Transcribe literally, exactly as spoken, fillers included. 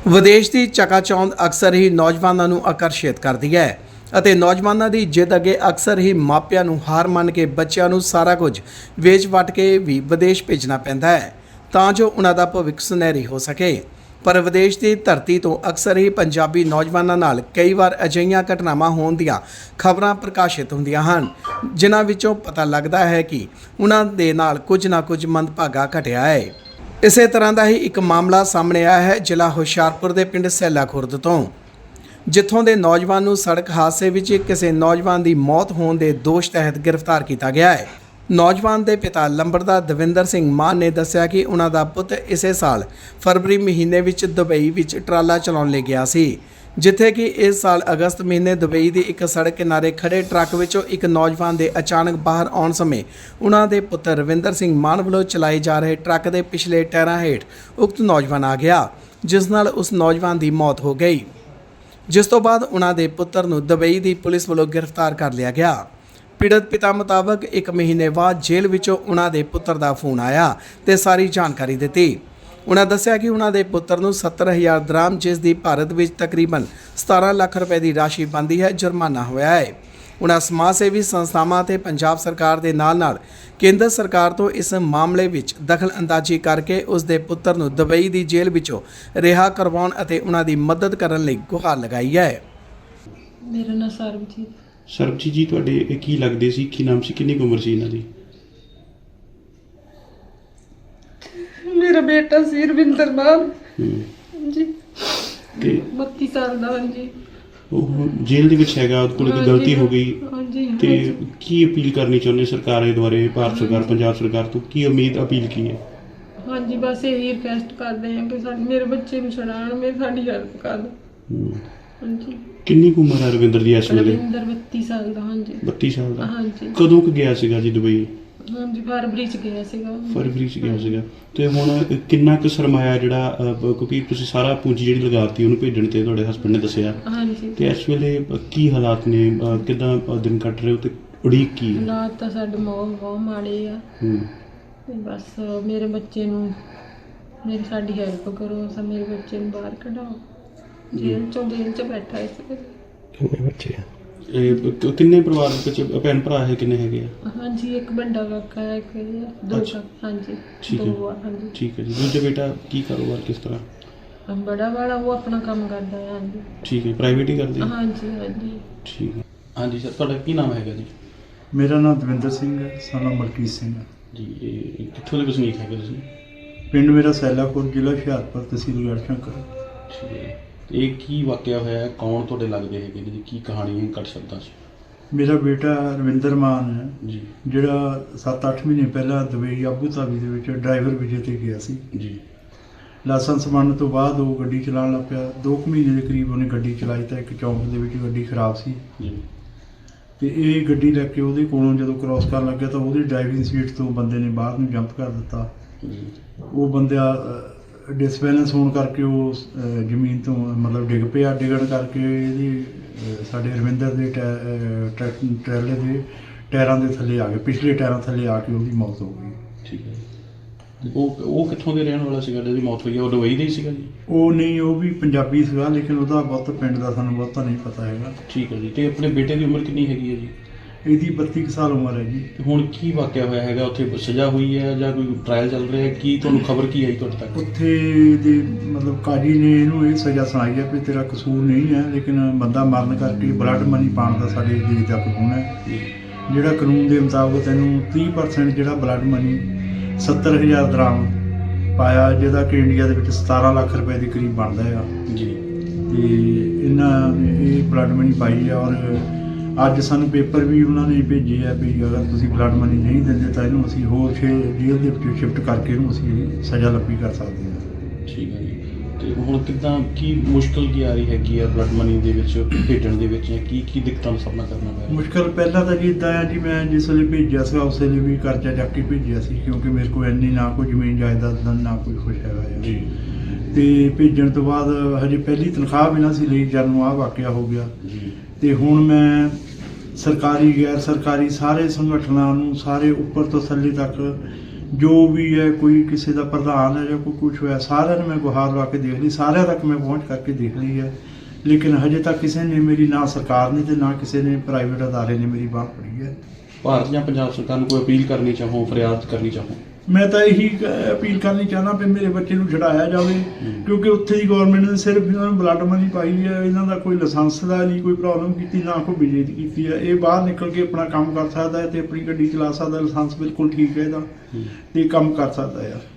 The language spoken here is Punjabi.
ਵਿਦੇਸ਼ ਦੀ ਚਕਾਚੌਂਧ ਅਕਸਰ ਹੀ ਨੌਜਵਾਨਾਂ ਨੂੰ ਆਕਰਸ਼ਿਤ ਕਰਦੀ ਹੈ ਅਤੇ ਨੌਜਵਾਨਾਂ ਦੀ ਜਿੱਦ ਅੱਗੇ ਅਕਸਰ ਹੀ ਮਾਪਿਆਂ ਨੂੰ ਹਾਰ ਮੰਨ ਕੇ ਬੱਚਿਆਂ ਨੂੰ ਸਾਰਾ ਕੁਝ ਵੇਚ ਵਟ ਕੇ ਵੀ ਵਿਦੇਸ਼ ਭੇਜਣਾ ਪੈਂਦਾ ਹੈ ਤਾਂ ਜੋ ਉਹਨਾਂ ਦਾ ਭਵਿੱਖ ਸੁਨਹਿਰੀ ਹੋ ਸਕੇ। ਪਰ ਵਿਦੇਸ਼ ਦੀ ਧਰਤੀ ਤੋਂ ਅਕਸਰ ਹੀ ਪੰਜਾਬੀ ਨੌਜਵਾਨਾਂ ਨਾਲ ਕਈ ਵਾਰ ਅਜਿਹੀਆਂ ਘਟਨਾਵਾਂ ਹੋਣ ਦੀਆਂ ਖਬਰਾਂ ਪ੍ਰਕਾਸ਼ਿਤ ਹੁੰਦੀਆਂ ਹਨ ਜਿਨ੍ਹਾਂ ਵਿੱਚੋਂ ਪਤਾ ਲੱਗਦਾ ਹੈ ਕਿ ਉਹਨਾਂ ਦੇ ਨਾਲ ਕੁਝ ਨਾ ਕੁਝ ਮੰਦਭਾਗਾ ਘਟਿਆ ਹੈ। ਇਸੇ ਤਰ੍ਹਾਂ ਦਾ ਹੀ ਇੱਕ ਮਾਮਲਾ ਸਾਹਮਣੇ ਆਇਆ ਹੈ ਜ਼ਿਲ੍ਹਾ ਹੁਸ਼ਿਆਰਪੁਰ ਦੇ ਪਿੰਡ ਸੈਲਾ ਖੁਰਦ ਤੋਂ, ਜਿੱਥੋਂ ਦੇ ਨੌਜਵਾਨ ਨੂੰ ਸੜਕ ਹਾਦਸੇ ਵਿੱਚ ਕਿਸੇ ਨੌਜਵਾਨ ਦੀ ਮੌਤ ਹੋਣ ਦੇ ਦੋਸ਼ ਤਹਿਤ ਗ੍ਰਿਫਤਾਰ ਕੀਤਾ ਗਿਆ ਹੈ। ਨੌਜਵਾਨ ਦੇ ਪਿਤਾ ਲੰਬੜਦਾਰ ਦਵਿੰਦਰ ਸਿੰਘ ਮਾਨ ਨੇ ਦੱਸਿਆ ਕਿ ਉਹਨਾਂ ਦਾ ਪੁੱਤ ਇਸੇ ਸਾਲ ਫਰਵਰੀ ਮਹੀਨੇ ਵਿੱਚ ਦੁਬਈ ਵਿੱਚ ਟਰਾਲਾ ਚਲਾਉਣ ਲਈ ਗਿਆ ਸੀ, ਜਿੱਥੇ ਕਿ ਇਸ ਸਾਲ ਅਗਸਤ ਮਹੀਨੇ ਦੁਬਈ ਦੀ ਇੱਕ ਸੜਕ ਕਿਨਾਰੇ ਖੜੇ ਟਰੱਕ ਵਿੱਚੋਂ ਇੱਕ ਨੌਜਵਾਨ ਦੇ ਅਚਾਨਕ ਬਾਹਰ ਆਉਣ ਸਮੇਂ ਉਹਨਾਂ ਦੇ ਪੁੱਤਰ ਰਵਿੰਦਰ ਸਿੰਘ ਮਾਨ ਵੱਲੋਂ ਚਲਾਏ ਜਾ ਰਹੇ ਟਰੱਕ ਦੇ ਪਿਛਲੇ ਟਾਇਰਾਂ ਹੇਠ ਉਕਤ ਨੌਜਵਾਨ ਆ ਗਿਆ, ਜਿਸ ਨਾਲ ਉਸ ਨੌਜਵਾਨ ਦੀ ਮੌਤ ਹੋ ਗਈ, ਜਿਸ ਤੋਂ ਬਾਅਦ ਉਹਨਾਂ ਦੇ ਪੁੱਤਰ ਨੂੰ ਦੁਬਈ ਦੀ ਪੁਲਿਸ ਵੱਲੋਂ ਗ੍ਰਿਫਤਾਰ ਕਰ ਲਿਆ ਗਿਆ। ਪੀੜਤ ਪਿਤਾ ਮੁਤਾਬਕ ਇੱਕ ਮਹੀਨੇ ਬਾਅਦ ਜੇਲ੍ਹ ਵਿੱਚੋਂ ਉਹਨਾਂ ਦੇ ਪੁੱਤਰ ਦਾ ਫੋਨ ਆਇਆ ਤੇ ਸਾਰੀ ਜਾਣਕਾਰੀ ਦਿੱਤੀ। ਉਹਨਾਂ ਦੱਸਿਆ ਕਿ ਉਹਨਾਂ ਦੇ ਪੁੱਤਰ ਨੂੰ ਸੱਤਰ ਹਜ਼ਾਰ ਦਰਾਮ, ਜਿਸ ਦੀ ਭਾਰਤ ਵਿੱਚ ਤਕਰੀਬਨ ਸਤਾਰਾਂ ਲੱਖ ਰੁਪਏ ਦੀ ਰਾਸ਼ੀ ਬਣਦੀ ਹੈ, ਜੁਰਮਾਨਾ ਹੋਇਆ ਹੈ। ਉਹਨਾਂ ਸਮਾਜ ਸੇਵੀ ਸੰਸਥਾਵਾਂ ਅਤੇ ਪੰਜਾਬ ਸਰਕਾਰ ਦੇ ਨਾਲ ਨਾਲ ਕੇਂਦਰ ਸਰਕਾਰ ਤੋਂ ਇਸ ਮਾਮਲੇ ਵਿੱਚ ਦਖਲ ਅੰਦਾਜ਼ੀ ਕਰਕੇ ਉਸ ਦੇ ਪੁੱਤਰ ਨੂੰ ਦੁਬਈ ਦੀ ਜੇਲ੍ਹ ਵਿੱਚੋਂ ਰਿਹਾ ਕਰਵਾਉਣ ਅਤੇ ਉਹਨਾਂ ਦੀ ਮਦਦ ਕਰਨ ਲਈ ਗੁਹਾਰ ਲਗਾਈ ਹੈ। ਮੇਰਾ ਨਾਮ ਸਰਬਜੀਤ। ਸਰਬਜੀਤ ਜੀ, ਤੁਹਾਡੇ ਇਹ ਕੀ ਲੱਗਦੇ ਸੀ, ਕੀ ਨਾਮ ਸੀ, ਕਿੰਨੀ ਕੁ ਉਮਰ ਸੀ ਇਹਨਾਂ ਦੀ? ਮੇਰਾ ਬੇਟਾ ਸੀ ਰਵਿੰਦਰ ਮਾਨ ਜੀ, ਤੇ ਬੱਤੀ ਸਾਲ ਦਾ। ਹਾਂਜੀ, ਉਹ ਜੇਲ੍ਹ ਦੇ ਵਿੱਚ ਹੈਗਾ, ਉਹਦੇ ਕੋਲ ਕੋਈ ਗਲਤੀ ਹੋ ਗਈ ਹਾਂਜੀ, ਤੇ ਕੀ ਅਪੀਲ ਕਰਨੀ ਚਾਹੁੰਦੇ ਸਰਕਾਰ ਦੇ ਦੁਆਰੇ, ਭਾਰਤ ਸਰਕਾਰ, ਪੰਜਾਬ ਸਰਕਾਰ ਤੋਂ ਕੀ ਉਮੀਦ ਅਪੀਲ ਕੀ ਹੈ? ਹਾਂਜੀ, ਬਸ ਇਹੀ ਰਿਕਵੈਸਟ ਕਰਦੇ ਹਾਂ ਕਿ ਸਾਡੇ ਮੇਰੇ ਬੱਚੇ ਨੂੰ ਛੁਡਾਉਣ, ਮੇਰੇ ਸਾਡੀ ਹੈਲਪ ਕਰ ਦਿਓ। ਹਾਂਜੀ। ਕਿੰਨੀ ਕੁ ਉਮਰ ਹੈ ਰਵਿੰਦਰ ਦੀ ਇਸ ਵੇਲੇ? ਰਵਿੰਦਰ ਬੱਤੀ ਸਾਲ ਦਾ। ਹਾਂਜੀ, ਬੱਤੀ ਸਾਲ ਦਾ। ਹਾਂਜੀ। ਕਦੋਂ ਕੁ ਗਿਆ ਸੀਗਾ ਜੀ ਦੁਬਈ? ਹਾਂਜੀ, ਫਰਵਰੀ ਚ ਗਿਆ ਸੀਗਾ। ਫਰਵਰੀ ਚ ਗਿਆ ਸੀਗਾ। ਤੇ ਹੁਣ ਕਿੰਨਾ ਕੁ ਸਰਮਾਇਆ ਜਿਹੜਾ, ਕਿਉਂਕਿ ਤੁਸੀਂ ਸਾਰਾ ਪੂੰਜੀ ਜਿਹੜੀ ਲਗਾਤੀ ਉਹਨੂੰ ਭੇਜਣ ਤੇ, ਤੁਹਾਡੇ ਹਸਬੰਡ ਨੇ ਦੱਸਿਆ। ਹਾਂਜੀ। ਤੇ ਇਸ ਵੇਲੇ ਕੀ ਹਾਲਾਤ ਨੇ, ਕਿੱਦਾਂ ਦਿਨ ਕੱਟ ਰਹੇ ਹੋ ਤੇ ਉਡੀਕ ਕੀ ਹੈ? ਹਾਲਾਤ ਤਾਂ ਸਾਡੇ ਬਹੁਤ ਬਹੁਤ ਮਾੜੇ ਆ। ਹੂੰ। ਤੇ ਬਸ ਮੇਰੇ ਬੱਚੇ ਨੂੰ, ਮੇਰੀ ਸਾਡੀ ਹੈਲਪ ਕਰੋ, ਸਾ ਮੇਰੇ ਬੱਚੇ ਨੂੰ ਬਾਹਰ ਕਢਾਓ, ਜੇਲ੍ਹ ਚੋਂ ਜੇਲ੍ਹ ਚ ਬੈਠਾ ਇਸ ਵੇਲੇ। ਕਿੰਨੇ ਬੱਚੇ ਆ? ਇਹ ਕਿੰਨੇ ਪਰਿਵਾਰ ਵਿੱਚ ਭੈਣ ਭਰਾ ਹੈ, ਕਿੰਨੇ ਹੈਗੇ ਆ? ਹਾਂਜੀ, ਇੱਕ ਵੱਡਾ ਕਾਕਾ ਹੈ, ਇੱਕ ਦੋ ਕਾਕਾ। ਹਾਂਜੀ, ਦੋ ਆ। ਹਾਂਜੀ, ਠੀਕ ਹੈ ਜੀ। ਦੂਜਾ ਬੇਟਾ ਕੀ ਕਾਰੋਬਾਰ, ਕਿਸ ਤਰ੍ਹਾਂ? ਬੜਾ ਵਾਲਾ ਉਹ ਆਪਣਾ ਕੰਮ ਕਰਦਾ ਹੈ। ਹਾਂਜੀ, ਠੀਕ ਹੈ, ਪ੍ਰਾਈਵੇਟ ਹੀ ਕਰਦੇ? ਹਾਂਜੀ ਹਾਂਜੀ। ਠੀਕ ਹੈ। ਹਾਂਜੀ ਸਰ, ਤੁਹਾਡਾ ਕੀ ਨਾਮ ਹੈਗਾ ਜੀ? ਮੇਰਾ ਨਾਮ ਦਵਿੰਦਰ ਸਿੰਘ ਹੈ, ਸਾਨਾ ਮਲਕੀਤ ਸਿੰਘ ਜੀ। ਇਹ ਕਿੱਥੋਂ ਦੇ ਵਸਨੀਕ ਹੈਗੇ ਤੁਸੀਂ? ਪਿੰਡ ਮੇਰਾ ਸੈਲਾਪੁਰ, ਜ਼ਿਲ੍ਹਾ ਹੁਸ਼ਿਆਰਪੁਰ, ਤਹਿਸੀਲ ਗੜ੍ਹਸ਼ੰਕਰ। ਠੀਕ ਹੈ। ਇਹ ਕੀ ਵਾਕਿਆ ਹੋਇਆ ਹੈ, ਕੌਣ ਤੁਹਾਡੇ ਲੱਗਦੇ ਹੈਗੇ ਨੇ ਜੀ, ਕੀ ਕਹਾਣੀ ਹੈ ਘੱਟ ਸ਼ਬਦਾਂ 'ਚ? ਮੇਰਾ ਬੇਟਾ ਰਵਿੰਦਰ ਮਾਨ ਹੈ ਜੀ, ਜਿਹੜਾ ਸੱਤ ਅੱਠ ਮਹੀਨੇ ਪਹਿਲਾਂ ਦੁਬਈ ਆਬੂ ਧਾਬੀ ਦੇ ਵਿੱਚ ਡਰਾਈਵਰ ਵਿਜੇ ਤੇ ਗਿਆ ਸੀ ਜੀ। ਲਾਇਸੈਂਸ ਬਣਨ ਤੋਂ ਬਾਅਦ ਉਹ ਗੱਡੀ ਚਲਾਉਣ ਲੱਗ ਪਿਆ। ਦੋ ਕੁ ਮਹੀਨੇ ਦੇ ਕਰੀਬ ਉਹਨੇ ਗੱਡੀ ਚਲਾਈ ਤਾਂ ਇੱਕ ਚੌਂਕ ਦੇ ਵਿੱਚ ਗੱਡੀ ਖਰਾਬ ਸੀ ਜੀ, ਤੇ ਤੇ ਇਹ ਗੱਡੀ ਲੈ ਕੇ ਉਹਦੇ ਕੋਲੋਂ ਜਦੋਂ ਕ੍ਰਾਸ ਕਰਨ ਲੱਗਿਆ ਤਾਂ ਉਹਦੀ ਡਰਾਈਵਿੰਗ ਸੀਟ ਤੋਂ ਬੰਦੇ ਨੇ ਬਾਹਰ ਨੂੰ ਜੰਪ ਕਰ ਦਿੱਤਾ। ਜੀ। ਉਹ ਬੰਦਾ ਡਿਸਬੈਲੈਂਸ ਹੋਣ ਕਰਕੇ ਉਹ ਅਹ, ਜ਼ਮੀਨ ਤੋਂ ਮਤਲਬ ਡਿੱਗ ਪਿਆ। ਡਿੱਗਣ ਕਰਕੇ ਇਹਦੀ ਅਹ, ਸਾਡੇ ਰਵਿੰਦਰ ਦੇ ਟੈ- ਟਰੈਕ ਟਰੈਲੇ ਦੇ ਟਾਇਰਾਂ ਦੇ ਥੱਲੇ ਆ ਗਏ, ਪਿਛਲੇ ਟਾਇਰਾਂ ਥੱਲੇ ਆ ਕੇ ਉਹਦੀ ਮੌਤ ਹੋ ਗਈ। ਠੀਕ ਹੈ। ਤੇ ਉਹ ਉਹ ਕਿੱਥੋਂ ਦੇ ਰਹਿਣ ਵਾਲਾ ਸੀਗਾ ਜਿਹਦੀ ਮੌਤ ਹੋਈ ਹੈ? ਉਹ ਦੁਬਈ ਦਾ ਹੀ ਸੀਗਾ ਜੀ? ਉਹ ਨਹੀਂ, ਉਹ ਵੀ ਪੰਜਾਬੀ ਸੀਗਾ, ਲੇਕਿਨ ਉਹਦਾ ਬਹੁਤ ਪਿੰਡ ਦਾ ਸਾਨੂੰ ਬਹੁਤਾ ਨਹੀਂ ਪਤਾ ਹੈਗਾ। ਠੀਕ ਹੈ ਜੀ। ਤੇ ਆਪਣੇ ਬੇਟੇ ਦੀ ਉਮਰ ਕਿੰਨੀ ਹੈਗੀ ਹੈ ਜੀ? ਇਹਦੀ ਬੱਤੀ ਕੁ ਸਾਲ ਉਮਰ ਹੈ ਜੀ। ਤੇ ਹੁਣ ਕੀ ਵਾਕਿਆ ਹੋਇਆ ਹੈਗਾ ਉੱਥੇ? ਸਜ਼ਾ ਹੋਈ ਹੈ ਜਾਂ ਕੋਈ ਟ੍ਰਾਇਲ ਚੱਲ ਰਿਹਾ ਹੈ? ਕੀ ਤੁਹਾਨੂੰ ਖਬਰ ਕੀ ਆਈ ਤੁਹਾਡੇ ਤੱਕ? ਉੱਥੇ ਦੇ ਮਤਲਬ ਕਾਜੀ ਨੇ ਇਹਨੂੰ ਇਹ ਸਜ਼ਾ ਸੁਣਾਈ ਹੈ ਵੀ ਤੇਰਾ ਕਸੂਰ ਨਹੀਂ ਹੈ, ਲੇਕਿਨ ਬੰਦਾ ਮਰਨ ਕਰਕੇ ਬਲੱਡ ਮਨੀ ਪਾਉਣ ਦਾ ਸਾਡੇ ਦੇਸ਼ ਦਾ ਕਾਨੂੰਨ ਹੈ। ਜਿਹੜਾ ਕਾਨੂੰਨ ਦੇ ਮੁਤਾਬਕ ਤੈਨੂੰ ਤੀਹ ਪਰਸੈਂਟ ਜਿਹੜਾ ਬਲੱਡ ਮਨੀ ਸੱਤਰ ਹਜ਼ਾਰ ਦਰਾਮ ਪਾਇਆ, ਜਿਹਦਾ ਕਿ ਇੰਡੀਆ ਦੇ ਵਿੱਚ ਸਤਾਰਾਂ ਲੱਖ ਰੁਪਏ ਦੇ ਕਰੀਬ ਬਣਦਾ ਹੈ ਜੀ। ਤੇ ਇਹਨਾਂ ਨੇ ਇਹ ਬਲੱਡ ਮਨੀ ਪਾਈ ਹੈ। ਔਰ ਅੱਜ ਸਾਨੂੰ ਪੇਪਰ ਵੀ ਉਹਨਾਂ ਨੇ ਭੇਜੇ ਆ ਵੀ ਅਗਰ ਤੁਸੀਂ ਬਲੱਡ ਮਨੀ ਨਹੀਂ ਦਿੰਦੇ ਤਾਂ ਇਹਨੂੰ ਅਸੀਂ ਹੋਰ ਛੇ ਜੇਲ੍ਹ ਦੇ ਵਿੱਚ ਸ਼ਿਫਟ ਕਰਕੇ ਇਹਨੂੰ ਅਸੀਂ ਸਜ਼ਾ ਲੱਭੀ ਕਰ ਸਕਦੇ ਹਾਂ। ਠੀਕ ਹੈ ਜੀ। ਤੇ ਹੁਣ ਕਿੱਦਾਂ, ਕੀ ਮੁਸ਼ਕਿਲ ਕੀ ਆ ਰਹੀ ਹੈਗੀ ਆ ਬਲੱਡ ਮਨੀ ਦੇ ਵਿੱਚ ਭੇਜਣ ਦੇ ਵਿੱਚ, ਜਾਂ ਕੀ ਕੀ ਦਿੱਕਤਾਂ ਦਾ ਸਾਹਮਣਾ ਕਰਨਾ ਪੈ ਰਿਹਾ? ਮੁਸ਼ਕਿਲ ਪਹਿਲਾਂ ਤਾਂ ਜੀ ਇੱਦਾਂ ਆ ਜੀ, ਮੈਂ ਜਿਸ ਵੇਲੇ ਭੇਜਿਆ ਸੀਗਾ ਉਸ ਵੇਲੇ ਵੀ ਕਰਜ਼ਾ ਚੱਕ ਕੇ ਭੇਜਿਆ ਸੀ, ਕਿਉਂਕਿ ਮੇਰੇ ਕੋਲ ਇੰਨੀ ਨਾ ਕੋਈ ਜ਼ਮੀਨ ਜਾਇਦਾਦ ਦਾ ਨਾ ਕੋਈ ਕੁਛ ਹੈਗਾ ਆ ਜੀ। ਤੇ ਭੇਜਣ ਤੋਂ ਬਾਅਦ ਹਜੇ ਪਹਿਲੀ ਤਨਖਾਹ ਵੀ ਨਾ ਸੀ ਲਈ ਜਦ ਨੂੰ ਆਹ ਵਾਕਿਆ ਹੋ ਗਿਆ ਜੀ। ਤੇ ਹੁਣ ਮੈਂ ਸਰਕਾਰੀ ਗੈਰ ਸਰਕਾਰੀ ਸਾਰੇ ਸੰਗਠਨਾਂ ਨੂੰ, ਸਾਰੇ ਉੱਪਰ ਤੋਂ ਥੱਲੇ ਤੱਕ ਜੋ ਵੀ ਹੈ, ਕੋਈ ਕਿਸੇ ਦਾ ਪ੍ਰਧਾਨ ਹੈ ਜਾਂ ਕੋਈ ਕੁਛ ਹੋਇਆ, ਸਾਰਿਆਂ ਨੂੰ ਮੈਂ ਗੁਹਾਰ ਲਾ ਕੇ ਦੇਖ ਲਈ, ਸਾਰਿਆਂ ਤੱਕ ਮੈਂ ਪਹੁੰਚ ਕਰਕੇ ਦੇਖ ਲਈ ਹੈ, ਲੇਕਿਨ ਹਜੇ ਤੱਕ ਕਿਸੇ ਨੇ ਮੇਰੀ, ਨਾ ਸਰਕਾਰ ਨੇ ਤੇ ਨਾ ਕਿਸੇ ਨੇ ਪ੍ਰਾਈਵੇਟ ਅਦਾਰੇ ਨੇ ਮੇਰੀ ਬਾਂਹ ਫੜੀ ਹੈ। ਭਾਰਤ ਜਾਂ ਪੰਜਾਬ ਸਰਕਾਰ ਨੂੰ ਕੋਈ ਅਪੀਲ ਕਰਨੀ ਚਾਹੋ, ਫਰਿਆਦ ਕਰਨੀ ਚਾਹੋ? ਮੈਂ ਤਾਂ ਇਹੀ ਕ- ਅਪੀਲ ਕਰਨੀ ਚਾਹੁੰਦਾ ਵੀ ਮੇਰੇ ਬੱਚੇ ਨੂੰ ਛਡਾਇਆ ਜਾਵੇ, ਕਿਉਂਕਿ ਉੱਥੇ ਦੀ ਗਵਰਨਮੈਂਟ ਨੇ ਸਿਰਫ ਇਹਨਾਂ ਨੂੰ ਬਲੱਡ ਮਨੀ ਪਾਈ ਹੈ, ਇਹਨਾਂ ਦਾ ਕੋਈ ਲਾਇਸੈਂਸ ਦਾ ਨਹੀਂ ਕੋਈ ਪ੍ਰੋਬਲਮ ਕੀਤੀ, ਨਾ ਕੋਈ ਬਿਜਲੀ ਦੀ ਕੀਤੀ ਹੈ। ਇਹ ਬਾਹਰ ਨਿਕਲ ਕੇ ਆਪਣਾ ਕੰਮ ਕਰ ਸਕਦਾ ਹੈ ਤੇ ਆਪਣੀ ਗੱਡੀ ਚਲਾ ਸਕਦਾ, ਲਾਇਸੈਂਸ ਬਿਲਕੁਲ ਠੀਕ ਹੈ ਇਹਦਾ, ਤੇ ਕੰਮ ਕਰ ਸਕਦਾ ਹੈ।